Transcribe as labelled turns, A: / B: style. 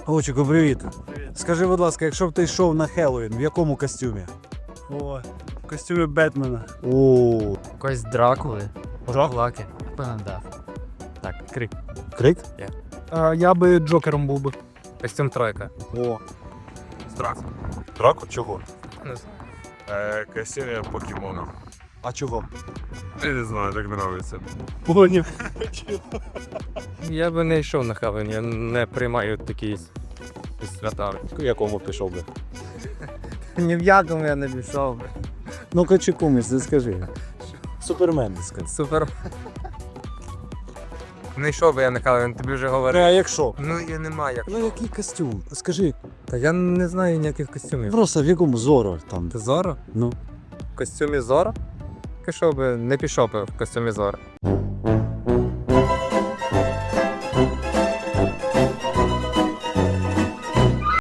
A: Овчику, привіт.
B: Привіт.
A: Скажи, будь ласка, якщо б ти йшов на Хеллоуін, в якому костюмі?
B: О, в костюмі Бетмена.
A: О,
C: Якось Дракули.
A: Дракула?
C: Лаки. Певно, да. Так, крик.
A: Крик?
B: Я би Джокером був би.
C: Костюм тройка.
A: О.
D: Драку.
A: Драку? Чого?
D: Костюм покемона.
A: А чого?
D: Я не знаю, так подобається.
B: Поняв.
C: Я би не йшов на Хеллоуін, я не приймаю такі свята.
A: В якому пішов би?
C: Ні в якому я не пішов.
A: Ну-ка, чи куміс, ти скажи. Супермен, скажи.
C: Супер. Не йшов би я на Хеллоуін, тобі вже
A: А
C: говорив.
A: якщо?
C: Ну я не маю як.
A: Ну який костюм? Скажи,
C: Та я не знаю ніяких костюмів.
A: просто в якому Зоро там?
C: Ти Зоро?
A: Ну.
C: В костюмі Зоро? Не пішов би в костюмі Зоро.